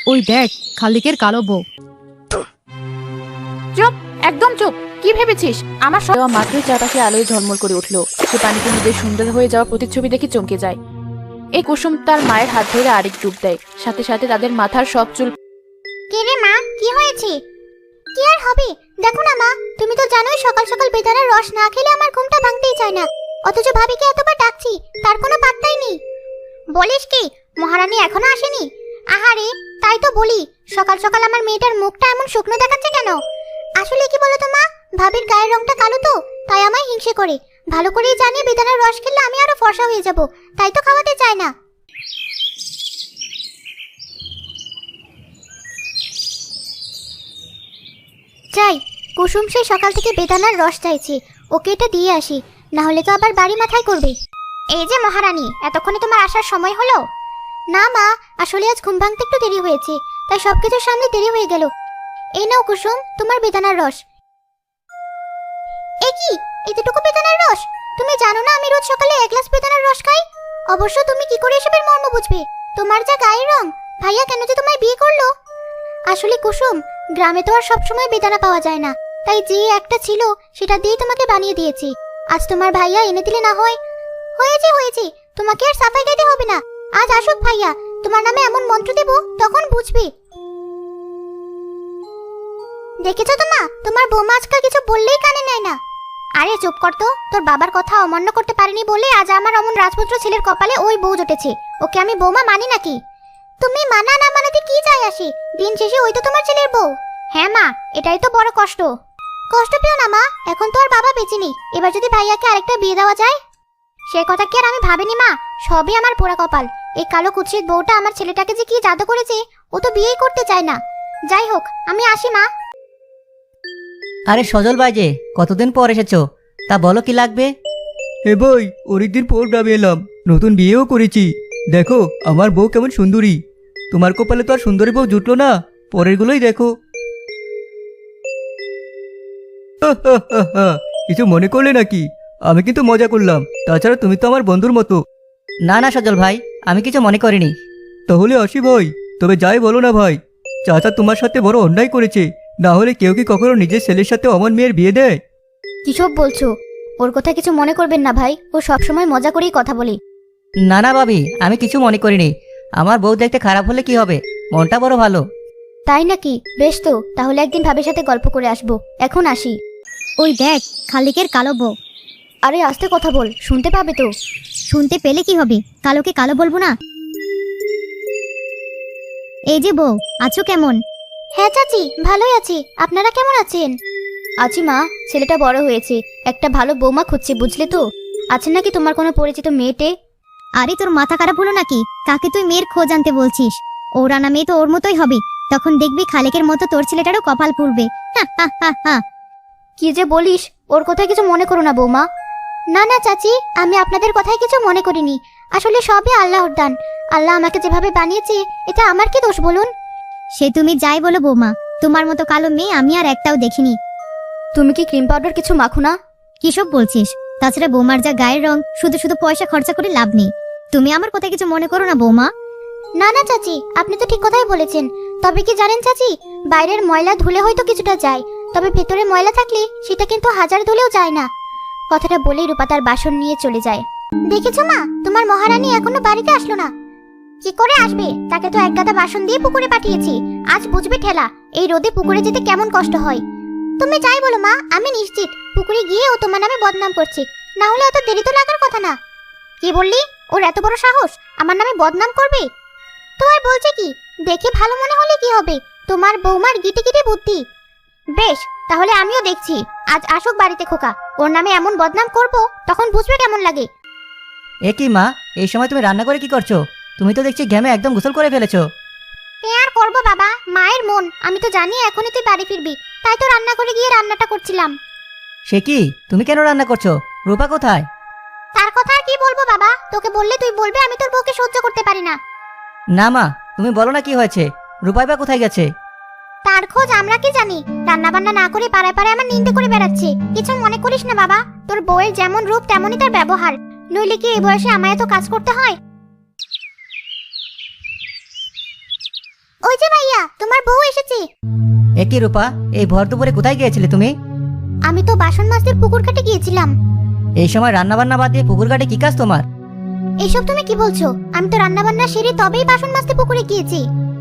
ওই দেখ, খালিকের কালো বউ। চুপ, একদম চুপ। কি ভেবেছিস আমার মাত্রই চারপাশে আলোয় ঝলমল করে উঠলো। সে পানিতে নিজের সুন্দর হয়ে যাওয়া প্রতিচ্ছবি দেখে চমকে যায়। এই কুসুম তার মায়ের হাত ধরে আরেক ডুব দেয়, সাথে সাথে তাদের মাথার সব চুল। কে রে মা, কি হয়েছে? কি আর হবে, দেখো না মা, তুমি তো জানোই সকাল সকাল বেদানার রস না খেলে আমার ঘুমটা ভাঙতেই চায় না। অথচ ভাবিকে এতবার ডাকছি, তার কোনো পাত্তাই নেই। বলিস কি, মহারানী এখনো আসেনি? আহারে, তাই তো বলি, সকাল সকাল আমার মেয়েটার মুখটা এমন শুকনো দেখাচ্ছে কেন? আসলে কি বলো তো মা, ভাবির গায়ের রংটা কালো তো, তাই আমায় হিংসে করে। ভালো করেই জানি বেদানার রস খেলে আমি আরো ফর্সা হয়ে যাব, তাই তো খাওয়াতে চায় না। যাই, কুসুম সেই সকাল থেকে বেদানার রস চাইছে, ওকে এটা দিয়ে আসি, না হলে তো আবার বাড়ি মাথায় করবে। এই যে মহারানী, এতক্ষণে তোমার আসার সময় হলো? না মা, আসলে আজ ঘুম ভাঙতে একটু দেরি হয়েছে, তাই সবকিছুর সামনে দেরি হয়ে গেল। এই নাও কুসুম, তোমার বেদানার রস। এ কি, এতটুকু বেদানার রস? তুমি জানো না আমি রোজ সকালে 1 গ্লাস বেদানার রস খাই? অবশ্য তুমি কি করে এসবের মর্ম বুঝবে? তোমার যা গায়ের রং, ভাইয়া কেন যে তোমায় বিয়ে করলো? আসলে কুসুম, গ্রামে তো আর সবসময় বেদানা পাওয়া যায় না, তাই যে একটা ছিল সেটা দিয়ে তোমাকে বানিয়ে দিয়েছি। আজ তোমার ভাইয়া এনে দিলে না হয়? হয়েছে হয়েছে, তোমাকে আর সাফাই গাইতে হবে না। আজ আসুক ভাইয়া, তোমার নামে এমন মন্ত্র দেব, তখন বুঝবে। দেখেছো তো মা, তোমার বৌমা আজকাল কিছু বললেই কানে নেয় না। আরে চুপ কর তো, তোর বাবার কথা অমান্য করতে পারিনি বলে আজ আমার অমন রাজপুত্র ছেলের কপালে ওই বউ জুটেছে। ওকে আমি বৌমা মানি নাকি? তুমি মানা না মানাতে কি যায় আসে, দিন শেষে ওই তো তোমার ছেলের বউ। হ্যাঁ মা, এটাই তো বড় কষ্ট। কষ্ট পেও না মা, এখন তো আর বাবা বেঁচে নেই, এবার যদি ভাইয়াকে আরেকটা বিয়ে দেওয়া যায়। সে কথা কি আর আমি ভাবিনি মা, সবই আমার পোড়া কপাল। এই কালো কুৎসিত বউটা আমার ছেলেটাকে যে কি জাদু করেছে, ও তো বিয়েই করতে চায় না। যাই হোক, আমি আসি মা। আরে সজল ভাই যে, কতদিন পর এসেছো, তা বলো কি লাগবে? এ ভাই, অনেকদিন পর গ্রামে এলাম, নতুন বিয়েও করেছি। দেখো আমার বউ কেমন সুন্দরী। তোমার কপালে তো আর সুন্দরী বউ জুটলো না, পরের গুলোই দেখো। কিছু মনে করলে নাকি? আমি কিন্তু মজা করলাম, তাছাড়া তুমি তো আমার বন্ধুর মতো। না না সজল ভাই, আমি কিছু মনে করিনি। তাহলে আসি ভাই, তবে যাই বলো না ভাই, চাচা তোমার সাথে বড় অন্যায় করেছে। না হলে কেউ কি কখনো নিজের ছেলের সাথে অমন মেয়ের বিয়ে দেয়? কিসব বলছো? ওর কথা কিছু মনে করবেন না ভাই, ও সবসময় মজা করেই কথা বলে। না না ভাবি, আমি কিছু মনে করিনি। আমার বউ দেখতে খারাপ হলে কি হবে, মনটা বড় ভালো। তাই নাকি? বেশ তো, তাহলে একদিন ভাবির সাথে গল্প করে আসবো। এখন আসি। ওই দেখ, খালিকের কালো বউ। আরে আস্তে কথা বল, শুনতে পাবে তো। শুনতে পেলে কি হবে, কালোকে কালো বলবো না? এই যে বউ, আছো কেমন? হ্যাঁ চাচি, ভালোই আছি, আপনারা কেমন আছেন? আছি মা, ছেলেটা বড় হয়েছে, একটা ভালো বৌমা খুঁজছে, বুঝলে তো। আছে নাকি তোমার কোনো পরিচিত মেয়েটে? আরে তোর মাথা খারাপ হলো নাকি? কাকে তুই মেয়ের খোঁজ আনতে বলছিস? ওর আনা মেয়ে তো ওর মতোই হবে, তখন দেখবি খালেকের মতো তোর ছেলেটারও কপাল পুড়বে। হা হা হা হা। কি যে বলিস, ওর কথায় কিছু মনে করো না বৌমা। না না চাচি, আমি আপনাদের কথায় কিছু মনে করিনি। আসলে সবই আল্লাহর দান। আল্লাহ আমাকে যেভাবে বানিয়েছে, এটা আমার কি দোষ বলুন? সে তুমি যাই বলো বৌমা, তোমার মতো কালো মেয়ে আমি আর একটাও দেখিনি। তুমি কি ক্রিম পাউডার কিছু মাখো না? কিসব বলছিস? তাছাড়া বৌমার যা গায়ের রং, শুধু শুধু পয়সা খরচা করে লাভ নেই। তুমি আমার কথা কিছু মনে করো না বৌমা। না না চাচি, আপনি তো ঠিক কথাই বলেছেন। তবে কি জানেন চাচি, বাইরের ময়লা ধুলে হয়তো কিছুটা যায়, তবে ভেতরে ময়লা থাকলে সেটা কিন্তু হাজার ধুলেও যায় না। কথাটা বলেই রূপা তার বাসন নিয়ে চলে যায়। দেখেছো মা, তোমার মহারানী এখনো বাড়িতে আসলো না। কি করে আসবে? তাকে তো এক গাদা বাসন দিয়ে পুকুরে পাঠিয়েছি, আজ বুঝবে ঠেলা। এই রোদে পুকুরে যেতে কেমন কষ্ট হয়। তুমি যাই বলো মা, আমি নিশ্চিত পুকুরে গিয়ে ও তোমার নামে বদনাম করছে, না হলে এত দেরি তো লাগার কথা না। কি বললি? ওর এত বড় সাহস আমার নামে বদনাম করবে? তো আর বলছে কি, দেখে ভালো মনে হলে কি হবে, তোমার বৌমার গিটে গিটে বুদ্ধি। বেশ, তাহলে আমিও দেখছি, আজ আসুক বাড়িতে খোকা, ওর নামে এমন বদনাম করব, তখন বুঝবে কেমন লাগে। এ কি মা, এই সময় তুমি রান্না করে কি করছো? তুমি তো দেখছি ঘেমে একদম গোসল করে ফেলেছো। এ আর করবো বাবা, মায়ের মন, আমি তো জানি এখনই তুই বাড়ি ফিরবি, তাই তো রান্না করে গিয়ে রান্নাটা করছিলাম। সে কি, তুমি কেন রান্না করছো? রূপা কোথায়? তার কথা আর কি বলবো বাবা, তোকে বললে তুই বলবে আমি তোর বউকে সহ্য করতে পারি না। না মা, তুমি বলো না কি হয়েছে, রূপাই বা কোথায় গেছে? তার খোঁজ আমরা কি জানি, রান্না বান্না না করে পাড়ায় পাড়ায় আমার নিন্দে করে বেড়াচ্ছে। কিছু মনে করিস না বাবা, তোর বউয়ের যেমন রূপ তেমনই তার ব্যবহার, নইলে কি এই বয়সে আমায় এত কাজ করতে হয়? ওই যে ভাইয়া, তোমার বউ এসেছে। একই রূপা, এই ভর দুপুরে কোথায় গিয়েছিলে তুমি? আমি তো বাসন মাজতে পুকুর ঘাটে গিয়েছিলাম। এই সময় রান্না বান্না বাদ দিয়ে পুকুর ঘাটে কি কাজ তোমার? এসব তুমি কি বলছো? আমি তো রান্না বান্না সেরে তবেই বাসন মাজতে পুকুরে গিয়েছি।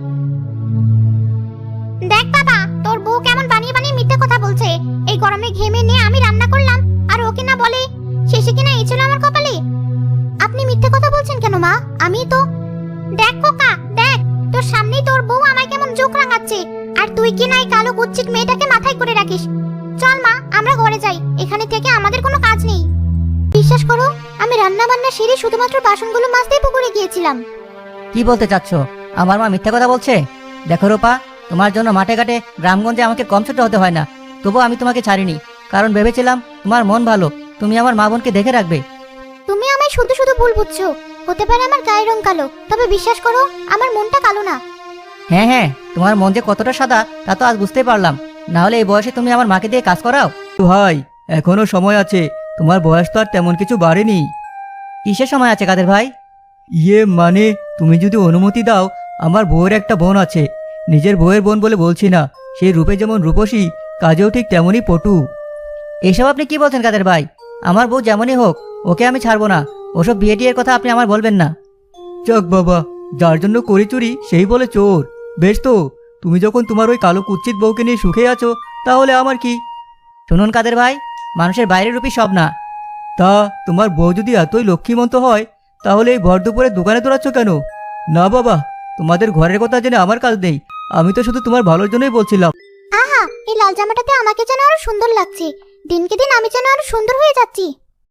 দেখ বাবা, তোর বউ কেমন বানিয়ে বানিয়ে মিথ্যে কথা বলছে। এই গরমে ঘেমে নিয়ে আমি রান্না করলাম, আর ওকে না বলে শেষে কিনা এই ছিল আমার কপালে। আপনি মিথ্যে কথা বলছেন কেন মা? আমি তো দেখ খোকা, দেখ তোর সামনেই তোর বউ আমায় কেমন চোখ রাঙাচ্ছে, আর তুই কিনা এই কালো কুচ্ছিত মেয়েটাকে মাথায় করে রাখিস। চল মা, আমরা ঘরে যাই, এখানে থেকে আমাদের কোনো কাজ নেই। বিশ্বাস করো, আমি রান্না বান্না সেরে শুধুমাত্র বাসনগুলো মাজতেই পুকুরে গিয়েছিলাম। কি বলতে চাচ্ছ? আমার মা মিথ্যা কথা বলছে? দেখো রূপা, তোমার জন্য মাঠে ঘাটে গ্রামগঞ্জে আমাকে কম ছোট হতে হয় না, তবুও আমি তোমাকে ছাড়িনি, কারণ ভেবেছিলাম তোমার মন ভালো, তুমি আমার মা বোনকে দেখে রাখবে। তুমি আমায় শুধু শুধু ভুল বুঝছো। হতে পারে আমার গায়ের রং কালো, তবে বিশ্বাস করো আমার মনটা কালো না। হ্যাঁ হ্যাঁ, তোমার মন যে কতটা সাদা তা তো আজ বুঝতেই পারলাম, না হলে এই বয়সে তুমি আমার মাকে দিয়ে কাজ করাও? ভাই, এখনো সময় আছে, তোমার বয়স তো আর তেমন কিছু বাড়েনি। কিসের সময় আছে কাদের ভাই? ইয়ে মানে, তুমি যদি অনুমতি দাও, আমার বউয়ের একটা বোন আছে। নিজের বউয়ের বোন বলে বলছি না, সেই রূপে যেমন রূপসী, কাজেও ঠিক তেমনই পটু। এসব আপনি কি বলছেন কাদের ভাই? আমার বউ যেমনই হোক, ওকে আমি ছাড়বো না। ওসব বিয়ে টিয়ের কথা আপনি আমার বলবেন না। যাক বাবা, যার জন্য করি চুরি সেই বলে চোর। বেশ তো, তুমি যখন তোমার ওই কালো কুচ্ছিত বউকে নিয়ে সুখে আছো, তাহলে আমার কি? শুনুন কাদের ভাই, মানুষের বাইরের রূপই সব না। তা তোমার বউ যদি এতই লক্ষ্মীমন্ত হয়, তাহলে এই ভর দুপুরে দোকানে দৌড়াচ্ছ কেন? না বাবা, তোমাদের ঘরের কথা জেনে আমার কাজ নেই, আমি তো শুধু তোমার ভালোর জন্যই বলছিলাম। আহা, এই লাল জামাটাতে আমাকে যেন আরো সুন্দর লাগছে। দিনকে দিন আমি যেন আরো সুন্দর হয়ে যাচ্ছি।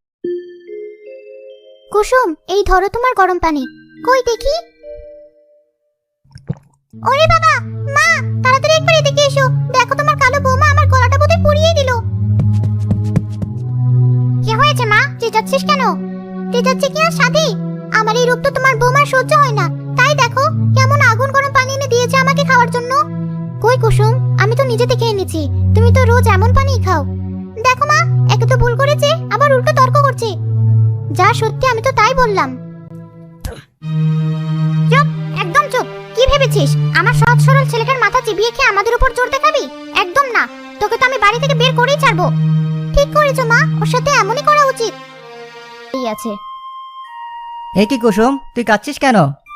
কুসুম, এই ধরো তোমার গরম পানি। কই দেখি। ওরে বাবা, মা তাড়াতাড়ি একবার এদিকে এসো। দেখো তোমার কালো বৌমা আমার গলাটা বোধহয় পুড়িয়ে দিল। কি হয়েছে মা? চেঁচাচ্ছিস কেন? চেঁচাচ্ছি কি আর সাথে? আমার এই রূপ তো তোমার বৌমার সহ্য হয় না, তাই দেখো কেমন আগুন গরম পানি এনে দিয়েছে আমাকে খাওয়ার জন্য। কই কুসুম, আমি তো নিজে থেকে এনেছি, তুমি তো রোজ এমন পানি খাও। দেখো মা, একে তো ভুল করেছে, আবার উল্টো তর্ক করছে। যা সত্যি আমি তো তাই বললাম। চুপ, একদম চুপ। কি ভেবেছিস আমার সহজ সরল ছেলেটার মাথা চিবিয়ে খেয়ে আমাদের উপর জোর দেখাবি? একদম না, তোকে তো আমি বাড়ি থেকে বের করেই ছাড়বো। ঠিক করেছো মা, ওর সাথে এমনই করা উচিত। এই আছে। এ কি কুসুম, তুই কাঁদছিস কেন?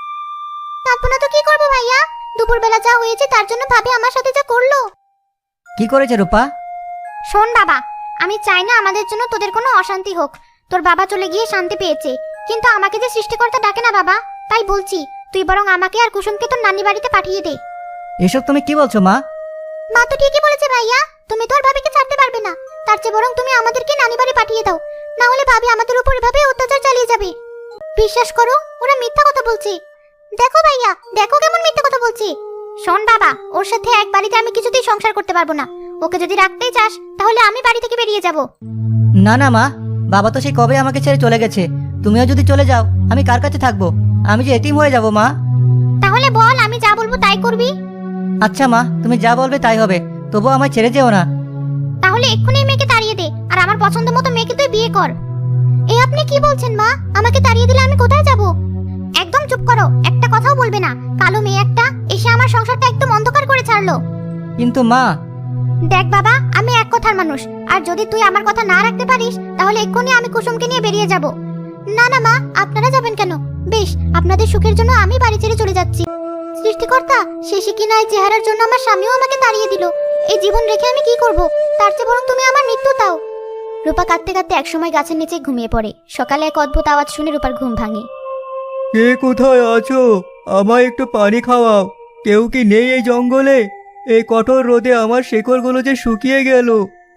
কাঁদবো না তো কি করবো ভাইয়া? দুপুরবেলা যা হয়েছে তার জন্য ভাবি আমার সাথে যা করলো। কি করেছে রূপা? শোন বাবা, আমি চাই না আমাদের জন্য তোদের কোনো অশান্তি হোক। তোর বাবা চলে গিয়ে শান্তি পেয়েছে, কিন্তু আমাকে যে সৃষ্টিকর্তা ডাকে না বাবা, তাই বলছি তুই বরং আমাকে আর কুসুমকে তোর নানি বাড়িতে পাঠিয়ে দে। এসব তুমি কি বলছো মা? মা তো ঠিকই বলেছে ভাইয়া, তুমি তো আর ভাবিকে ছাড়তে পারবে না, তার চেয়ে বরং তুমি আমাদেরকে নানি বাড়ি পাঠিয়ে দাও, না হলে ভাবি আমাদের উপর এভাবে অত্যাচার চালিয়ে যাবে। বিশ্বাস করো, ওরা মিথ্যা কথা বলছে। দেখো ভাইয়া, দেখো কেমন মিথ্যা কথা বলছে। শোন বাবা, ওর সাথে এক বাড়িতে আমি কিছুতেই সংসার করতে পারবো না। ওকে যদি রাখতেই চাস তাহলে আমি বাড়ি থেকে বেরিয়ে যাব। না না মা, বাবা তো সেই কবে আমাকে ছেড়ে চলে গেছে, তুমিও যদি চলে যাও আমি কার কাছে থাকবো? আমি যে এতিম হয়ে যাব মা। তাহলে বল, আমি যা বলবো তাই করবি। আচ্ছা মা, তুমি যা বলবে তাই হবে, তবুও আমায় ছেড়ে যেও না। তাহলে এক্ষুনি এই মেয়েকে তাড়িয়ে দে, আর আমার পছন্দ মতো মেয়েকে তুই বিয়ে কর। এই আপনি কি বলছেন মা? আমাকে তাড়িয়ে দিলে আমি কোথায় যাব? একদম চুপ করো, একটা কথাও বলবে না। কালো মেয়ে একটা এসে আমার সংসারটা একদম অন্ধকার করে ছাড়লো। কিন্তু মা। দেখ বাবা, আমি এক কথার মানুষ, আর যদি তুই আমার কথা না রাখতে পারিস তাহলে এক্ষুনি আমি কুসুমকে নিয়ে বেরিয়ে যাব। না না মা, আপনারা যাবেন কেন? বেশ, আপনাদের সুখের জন্য আমি বাড়ি ছেড়ে চলে যাচ্ছি। সৃষ্টিকর্তা, শেষে কিনা এই চেহারার জন্য আমার স্বামীও আমাকে তাড়িয়ে দিল। এই জীবন রেখে আমি কি করব? তার চেয়ে বরং তুমি আমার মৃত্যু দাও। রূপা কাঁদতে কাঁদতে একসময় গাছের নিচে ঘুমিয়ে পড়ে। সকালে এক অদ্ভুত আওয়াজ শুনে রূপার ঘুম ভাঙে। কে কোথায় আছো? আমায় একটু পানি খাওয়াও। কেউ কি নেই এই জঙ্গলে? এই কঠোর রোদে আমার শেকড়গুলো যে শুকিয়ে গেল।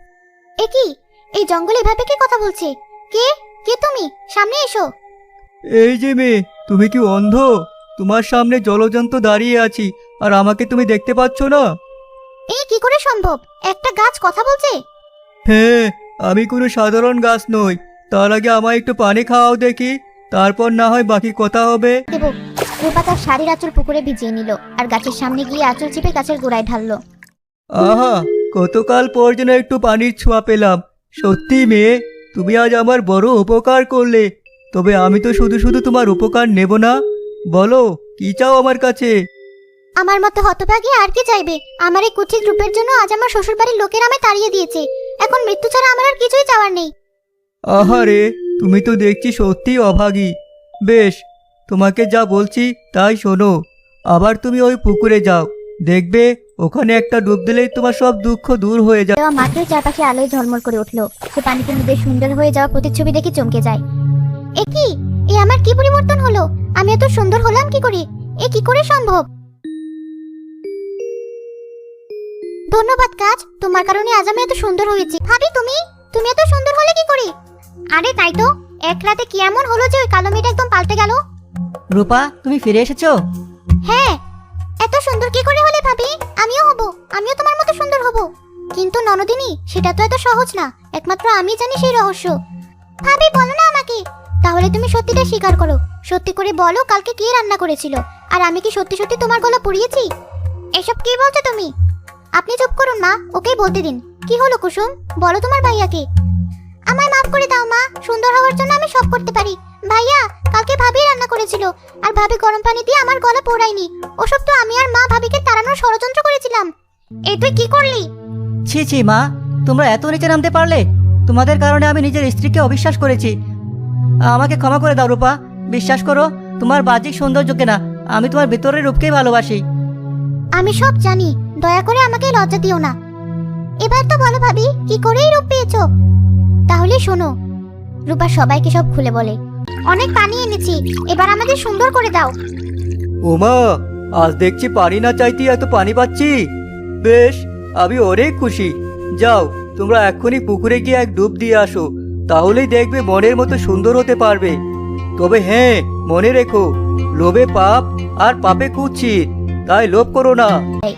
এ কি, এই জঙ্গলে এভাবে কে কথা বলছে? কে কে তুমি? সামনে এসো। এই যে মেয়ে, তুমি কি অন্ধ? তোমার সামনে জলজন্ত দাঁড়িয়ে আছি, আর আমাকে তুমি দেখতে পাচ্ছ না? এই কি করে সম্ভব? একটা গাছ কথা বলছে? হ্যাঁ, আমি কোনো সাধারণ গাছ নই। তার আগে আমায় একটু পানি খাওয়াও দেখি, তারপর না হয় বাকি কথা হবে। দেব। রূপা তার শাড়ির আঁচল পুকুরে ভিজিয়ে নিল, আর গাছের সামনে গিয়ে আঁচল চিপে গাছের গোড়ায় ঢাললো। আহা, গতকাল পর যেন একটু পানির ছোঁয়া পেলাম। সত্যি মেয়ে, তুমি আজ আমার বড় উপকার করলে। তবে আমি তো শুধু শুধু তোমার উপকার নেব না। বলো, কি চাও আমার কাছে? আমার মতো হতভাগী আর কি চাইবে? আমার এই কুৎসিত রূপের জন্য আজ আমার শ্বশুরবাড়ির লোকেরা আমায় তাড়িয়ে দিয়েছে। এখন মৃত্যু ছাড়া আমার আর কিছুই চাওয়ার নেই। আহারে, তুমি তো দেখছি সত্যিই অভাগী। বেশ, তোমাকে যা বলছি তাই শোনো। আবার তুমি ওই পুকুরে যাও, দেখবে ওখানে একটা ডুব দিলেই তোমার সব দুঃখ দূর হয়ে যাবে। দেওয়া মাত্রই চারপাশে আলোয় ঝলমল করে উঠলো। সে পানিতে ডুবে সুন্দর হয়ে যাওয়া প্রতিচ্ছবি দেখে চমকে যায়। এ কি? এ আমার কি পরিবর্তন হলো? আমি এত সুন্দর হলাম কি করে? এ কি করে সম্ভব? ধন্যবাদ কাজ, তোমার কারণে আজ আমি এত সুন্দর হয়েছি। ভাবি, তুমি এত সুন্দর হলে কি করে? আরে তাই তো, এক রাতে কি এমন হলো যে ওই কালো মেয়েটা একদম পাল্টে গেল? রূপা, তুমি ফিরে এসেছো? হ্যাঁ, এত সুন্দর কি করে হলে ভাবি? আমিও তোমার মতো সুন্দর হব। কিন্তু ননদিনী, সেটা তো এত সহজ না। একমাত্র আমি জানি সেই রহস্য। ভাবি, বলো না আমাকে। তাহলে তুমি সত্যিটা স্বীকার করো। সত্যি করে বলো, কালকে কে রান্না করেছিল? আর আমি কি সত্যি সত্যি তোমার গলা পুড়িয়েছি? এসব কি বলছো তুমি? আপনি চুপ করুন মা, ওকেই বলতে দিন। কি হলো কুসুম, বলো তোমার ভাইয়াকে। আমায় মাফ করে দাও মা, সুন্দর হওয়ার জন্য আমি সব করতে পারি। ভাইয়া, কালকে ভাবি রান্না করেছিল, আর ভাবি গরম পানি দিয়ে আমার গলা পোড়ায়নি। ওসব তো আমি আর মা ভাবিকে তাড়ানোর ষড়যন্ত্র করেছিলাম। এই তুই কি করলি? ছি ছি মা, তোমরা এত নিচে নামতে পারলে? তোমাদের কারণে আমি নিজের স্ত্রীকে অবিশ্বাস করেছি। আমাকে ক্ষমা করে দাও রূপা। বিশ্বাস করো, তোমার বাহ্যিক সৌন্দর্যকে না, আমি তোমার ভেতরের রূপকেই ভালোবাসি। আমি সব জানি, দয়া করে আমাকে লজ্জা দিও না। এবার তো বলো ভাবি, কি করে এই রূপ পেয়েছো? তাহলে শোনো। রূপা সবাইকে সব খুলে বলে। অনেক পানি এনেছি, এবার আমাদের সুন্দর করে দাও। ওমা, আজ দেখছি পানি না চাইতে এত পানি পাচ্ছি। বেশ, আমি অনেক খুশি। যাও, তোমরা এক্ষুনি পুকুরে গিয়ে এক ডুব দিয়ে আসো, তাহলেই দেখবে মনের মতো সুন্দর হতে পারবে। তবে হ্যাঁ, মনে রেখো, লোভে পাপ আর পাপে কুৎসিত, তাই লোভ করো না।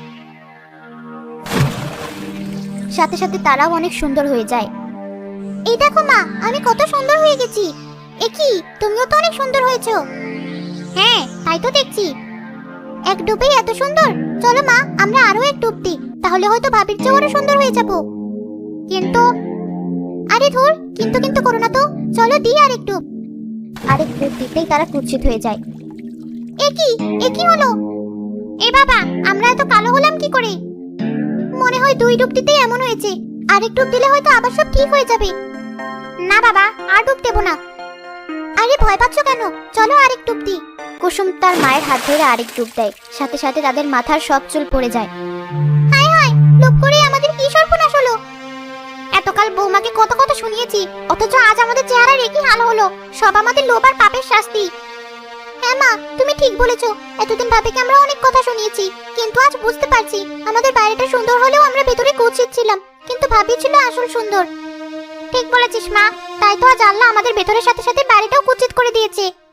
সাথে সাথে তারাও অনেক সুন্দর হয়ে যায়। এই দেখো মা, আমি কত সুন্দর হয়ে গেছি। এ কি, তুমিও তো অনেক সুন্দর হয়েছো। হ্যাঁ, তাই তো দেখছি। এক ডুবেই এত সুন্দর। চলো মা, আমরা আরো এক ডুব দিই, তাহলে হয়তো ভাবির চেয়ে আরো সুন্দর হয়ে যাব। কিন্তু আরে ধুর, কিন্তু করো না তো। চলো দিই আরেক ডুব। আরেক ডুব দিতেই তারা কুৎসিত হয়ে যায়। এ কি হলো? এ বাবা, আমরা এত কালো হলাম কি করে? মনে হয় দুই ডুব দিতেই এমন হয়েছে। আরেক ডুব দিলে হয়তো আবার সব ঠিক হয়ে যাবে। না বাবা, আর ডুব দেবো না। আরে ভয় পাচ্ছ কেন? চলো আরেক ডুব দিই। কুসুম তার মায়ের হাত ধরে আরেক ডুব দেয়। সাথে সাথে তাদের মাথার সব চুল পড়ে যায়। হায় হায়, লোভ করে আমাদের কি সর্বনাশ হলো! এতকাল বৌমাকে কত কথা শুনিয়েছি, অথচ আজ আমাদের চেহারার একই হাল হলো। সব আমাদের লোভ আর পাপের শাস্তি। হ্যাঁ মা, তুমি ঠিক বলেছো। এতদিন ভাবিকে আমরা অনেক কথা শুনিয়েছি, কিন্তু আজ বুঝতে পারছি আমাদের বাইরেটা সুন্দর হলেও আমরা ভেতরে কুৎসিত ছিলাম। কিন্তু ভাবি ছিল আসল সুন্দর। ঠিক বলেছিস মা, তাই তো আজ আল্লাহ আমাদের ভেতরের সাথে সাথে বাইরেটাও কুৎসিত করে দিয়েছে।